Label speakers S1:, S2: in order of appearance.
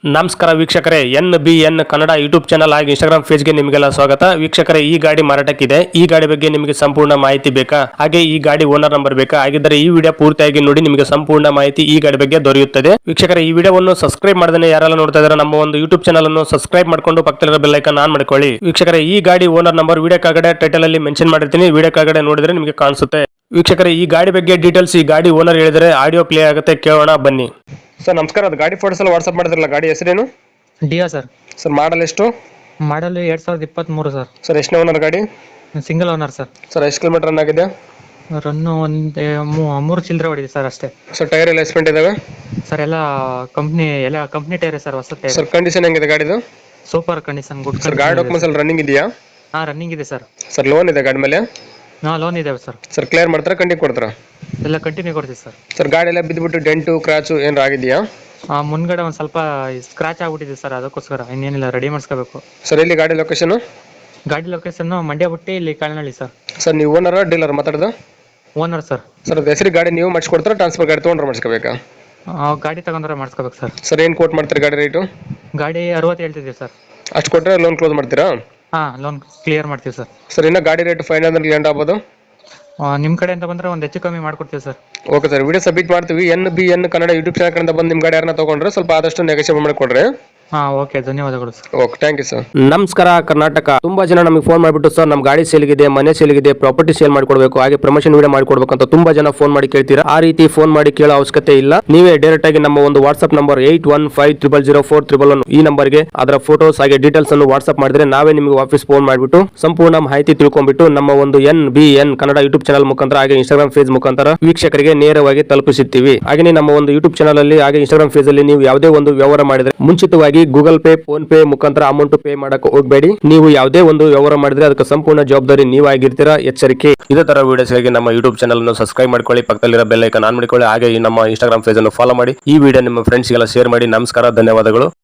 S1: ನಮಸ್ಕಾರ ವೀಕ್ಷಕರೇ, NBN Kannada YouTube channel ಹಾಗೂ ಇನ್ಸ್ಟಾಗ್ರಾಮ್ ಪೇಜ್ಗೆ ನಿಮಗೆಲ್ಲ ಸ್ವಾಗತ. ವೀಕ್ಷಕರೇ, ಈ ಗಾಡಿ ಮಾರಾಟಕ್ಕಿದೆ. ಈ ಗಾಡಿ ಬಗ್ಗೆ ನಿಮಗೆ ಸಂಪೂರ್ಣ ಮಾಹಿತಿ ಬೇಕಾ? ಹಾಗೆ ಈ ಗಾಡಿ ಓನರ್ ನಂಬರ್ ಬೇಕಾ? ಹಾಗಿದ್ದರೆ ಈ ವಿಡಿಯೋ ಪೂರ್ತಿಯಾಗಿ ನೋಡಿ, ನಿಮಗೆ ಸಂಪೂರ್ಣ ಮಾಹಿತಿ ಈ ಗಾಡಿ ಬಗ್ಗೆ ದೊರೆಯುತ್ತದೆ. ವೀಕ್ಷಕರೇ, ಈ ವಿಡಿಯೋವನ್ನು ಸಬ್ಸ್ಕ್ರೈಬ್ ಮಾಡದೇ ಯಾರೆಲ್ಲ ನೋಡ್ತಾ ಇದ್ದಾರೆ ನಮ್ಮ ಒಂದು ಯೂಟ್ಯೂಬ್ ಚಾನಲ್ ಅನ್ನು ಸಬ್ಸ್ಕ್ರೈಬ್ ಮಾಡ್ಕೊಂಡು ಪಕ್ಕದಲ್ಲಿರೋ ಬೆಲ್ ಐಕಾನ್ ಆನ್ ಮಾಡ್ಕೊಳ್ಳಿ. ವೀಕ್ಷಕರೇ, ಈ ಗಾಡಿ ಓನರ್ ನಂಬರ್ ವಿಡಿಯೋ ಕೆಳಗಡೆ ಟೈಟಲ್ ಅಲ್ಲಿ ಮೆನ್ಷನ್ ಮಾಡಿರ್ತೀನಿ, ವಿಡಿಯೋ ಕೆಳಗಡೆ ನೋಡಿದ್ರೆ ನಿಮಗೆ ಕಾಣಿಸುತ್ತೆ. ವೀಕ್ಷಕರೇ, ಈ ಗಾಡಿ ಬಗ್ಗೆ ಡೀಟೇಲ್ಸ್ ಈ ಗಾಡಿ ಓನರ್ ಹೇಳಿದರೆ ಆಡಿಯೋ ಪ್ಲೇ ಆಗುತ್ತೆ, ಕೇಳೋಣ ಬನ್ನಿ. ಸರ್ ನಮಸ್ಕಾರ, ಅದು ಗಾಡಿ ಫೋಟೋಸ್ ಎಲ್ಲ ವಾಟ್ಸ್ಆಪ್ ಮಾಡಿದ್ರಲ್ಲ, ಗಾಡಿ ಹೆಸರೇನು?
S2: Dio sir.
S1: ಸರ್ ಮಾಡಲ್ ಎಷ್ಟು?
S2: Model 2023 sir.
S1: ಸರ್ ಎಷ್ಟು ಓನರ್ ಗಾಡಿ?
S2: Single owner sir.
S1: ಸರ್ ಎಷ್ಟು ಕಿಲೋಮೀಟರ್ ರನ್ ಆಗಿದೆ?
S2: ರನ್ನು ಒಂದು 3 ಚಿಲ್ಲರೆ ಹೊಡಿದೆ ಸರ್ ಅಷ್ಟೇ.
S1: ಸರ್ ಟೈರ್ ಎಲ್ಲ ಎಸ್ಪೆಂಟ್ ಇದಾವೆ?
S2: ಸರ್ ಎಲ್ಲ ಕಂಪ್ನಿ ಟೈರ್ ಸರ್, ಹೊಸ ಟೈರ್.
S1: ಸರ್ ಕಂಡೀಷನ್ ಹೆಂಗಿದೆ ಗಾಡಿದು?
S2: Super condition, good.
S1: ಸರ್ ಗಾಡಿ ಡಾಕ್ಯುಮೆಂಟ್ಸ್ ಎಲ್ಲ ರನ್ನಿಂಗ್ ಇದೆಯಾ?
S2: ರನ್ನಿಂಗ್ ಇದೆ ಸರ್.
S1: ಸರ್ ಲೋನ್ ಇದೆ ಗಾಡಿ ಮೇಲೆ?
S2: ಲೋನ್ ಇದಾವೆ ಸರ್.
S1: ಸರ್ ಕ್ಲಿಯರ್ ಮಾಡ್ತಾರಾ, ಕಂಟಿನ್ಯೂ ಕೊಡ್ತಾರಾ?
S2: ಎಲ್ಲ ಕಂಟಿನ್ಯೂ ಕೊಡ್ತೀವಿ ಸರ್.
S1: ಸರ್ ಗಾಡಿ ಎಲ್ಲ ಬಿದ್ದುಬಿಟ್ಟು ಡೆಂಟು ಕ್ರಾಚು ಏನಾರು ಆಗಿದೆಯಾ?
S2: ಮುಂದ್ಗಡೆ ಒಂದು ಸ್ವಲ್ಪ ಸ್ಕ್ರಾಚ್ ಆಗ್ಬಿಟ್ಟಿದೆ ಸರ್, ಅದಕ್ಕೋಸ್ಕರ ಇನ್ನೇನಿಲ್ಲ, ರೆಡಿ ಮಾಡಿಸ್ಕೋಬೇಕು.
S1: ಸರ್ ಎಲ್ಲಿ ಗಾಡಿ ಲೊಕೇಶನ್?
S2: ಗಾಡಿ ಲೊಕೇಶನ್ ಮಂಡ್ಯ ಬಿಟ್ಟು ಇಲ್ಲಿ ಕಳ್ನಳ್ಳಿ ಸರ್.
S1: ಸರ್ ನೀವು ಓನರ್ ಡೀಲರ್ ಮಾತಾಡೋದು?
S2: Owner sir.
S1: ಸರ್ ಅದು ಹೆಸರು ಗಾಡಿ ನೀವು ಮಾಡಿಸ್ಕೊಡ್ತಾರಾ, ಟ್ರಾನ್ಸ್ಫರ್ ಗಾಡಿ ತೊಗೊಂಡ್ರೆ ಮಾಡಿಸ್ಕೋಬೇಕಾ?
S2: ಗಾಡಿ ತಗೊಂಡ್ರೆ ಮಾಡಿಸ್ಕೋಬೇಕು ಸರ್.
S1: ಸರ್ ಏನು ಕೋಟ್ ಮಾಡ್ತೀರಿ ಗಾಡಿ ರೇಟು?
S2: ಗಾಡಿ 60 ಹೇಳ್ತಿದ್ದೀವಿ ಸರ್.
S1: ಅಷ್ಟು ಕೊಟ್ಟರೆ ಲೋನ್ ಕ್ಲೋಸ್ ಮಾಡ್ತೀರಾ?
S2: ಲೋನ್ ಕ್ಲಿಯರ್ ಮಾಡ್ತೀವಿ ಸರ್.
S1: ಸರ್ ಇನ್ನು ಗಾಡಿ ರೇಟ್ ಫೈನಲ್ ಅಂದ್ರೆ ಲ್ಯಾಂಡ್ ಆಗ್ಬೋದು?
S2: ನಿಮ್ಮ ಕಡೆಯಿಂದ ಬಂದರೆ ಒಂದು ಹೆಚ್ಚು ಕಮ್ಮಿ ಮಾಡ್ಕೊಡ್ತೀವಿ sir.
S1: Okay sir, video submit ಮಾಡ್ತೀವಿ. NBN ಕನ್ನಡ ಯೂಟ್ಯೂಬ್ ಚಾನಲ್ ಕಡೆಯಿಂದ ಬಂದು ನಿಮ್ಮ ಗಾಡಿ ಯಾರನ್ನ ತೊಗೊಂಡ್ರೆ ಸ್ವಲ್ಪ ಆದಷ್ಟು ನೆಗೋಷಿಯೇಟ್ ಮಾಡಿಕೊಡ್ರಿ.
S2: ಓಕೆ, ಧನ್ಯವಾದಗಳು sir.
S1: Okay, thank you sir.
S3: ನಮಸ್ಕಾರ ಕರ್ನಾಟಕ. ತುಂಬಾ ಜನ ನಮಗೆ ಫೋನ್ ಮಾಡಿಬಿಟ್ಟು, ಸರ್ ನಮ್ಮ ಗಾಡಿ ಸೇಲ್ಗಿದೆ, ಮನೆ ಸೇಲ್ಗಿದೆ, ಪ್ರಾಪರ್ಟಿ ಸೇಲ್ ಮಾಡ್ಕೊಡ್ಬೇಕು, ಹಾಗೆ ಪ್ರಮೋಷನ್ ವಿಡಿಯೋ ಮಾಡ್ಕೊಡ್ಬೇಕು ಅಂತ ತುಂಬಾ ಜನ ಫೋನ್ ಮಾಡಿ ಕೇಳ್ತೀರಾ. ಆ ರೀತಿ ಫೋನ್ ಮಾಡಿ ಕೇಳೋ ಅವಶ್ಯಕತೆ ಇಲ್ಲ. ನೀವೇ ಡೈರೆಕ್ಟ್ ಆಗಿ ನಮ್ಮ ಒಂದು ವಾಟ್ಸ್ಆಪ್ ನಂಬರ್ 81500411 ಈ ನಂಬರ್ಗೆ ಅದರ ಫೋಟೋಸ್ ಹಾಗೆ ಡೀಟೇಲ್ಸ್ ಅನ್ನು ವಾಟ್ಸ್ಆಪ್ ಮಾಡಿದ್ರೆ ನಾವೇ ನಿಮಗೆ ವಾಪಸ್ ಫೋನ್ ಮಾಡಿಬಿಟ್ಟು ಸಂಪೂರ್ಣ ಮಾಹಿತಿ ತಿಳ್ಕೊಂಡ್ಬಿಟ್ಟು ನಮ್ಮ ಒಂದು NBN ಕನ್ನಡ ಯೂಟ್ಯೂಬ್ ಚಾನಲ್ ಮುಖಾಂತರ ಹಾಗೆ ಇನ್ಸ್ಟಾಗ್ರಾಮ್ ಪೇಜ್ ಮುಖಾಂತರ ವೀಕ್ಷಕರಿಗೆ ನೇರವಾಗಿ ತಲುಪಿಸುತ್ತೀವಿ. ಹಾಗೆ ನಮ್ಮ ಒಂದು ಯೂಟ್ಯೂಬ್ ಚಾನಲ್ ಅಲ್ಲಿ ಹಾಗೆ ಇನ್ಸ್ಟಾಗ್ರಾಮ್ ಪೇಜ್ ಅಲ್ಲಿ ನೀವು ಯಾವುದೇ ಒಂದು ವ್ಯವಹಾರ ಮಾಡಿದ್ರೆ ಮುಂಚಿತವಾಗಿ ಗೂಗಲ್ ಪೇ, ಫೋನ್ ಪೇ ಮುಖಾಂತರ ಅಮೌಂಟ್ ಪೇ ಮಾಡಕ್ಕೆ ಹೋಗಬೇಡಿ. ನೀವು ಯಾವುದೇ ಒಂದು ವ್ಯವಹಾರ ಮಾಡಿದ್ರೆ ಅದಕ್ಕೆ ಸಂಪೂರ್ಣ ಜವಾಬ್ದಾರಿ ನೀವಾಗಿರ್ತೀರಾ, ಎಚ್ಚರಿಕೆ. ಇದೇ ತರ ವಿಡಿಯೋಸ್ಗಾಗಿ ನಮ್ಮ ಯೂಟ್ಯೂಬ್ ಚಾನಲ್ ಅನ್ನು ಸಬ್ಸ್ಕ್ರೈಬ್ ಮಾಡ್ಕೊಳ್ಳಿ, ಪಕ್ಕದಲ್ಲಿರೋ ಬೆಲ್ ಐಕಾನ್ ಆನ್ ಮಾಡಿಕೊಳ್ಳಿ, ಹಾಗೆ ನಮ್ಮ ಇನ್ಸ್ಟಾಗ್ರಾಮ್ ಪೇಜ್ ಅನ್ನು ಫಾಲೋ ಮಾಡಿ. ಈ ವಿಡಿಯೋ ನಿಮ್ಮ ಫ್ರೆಂಡ್ಸ್ಗೆಲ್ಲ ಶೇರ್ ಮಾಡಿ. ನಮಸ್ಕಾರ, ಧನ್ಯವಾದಗಳು.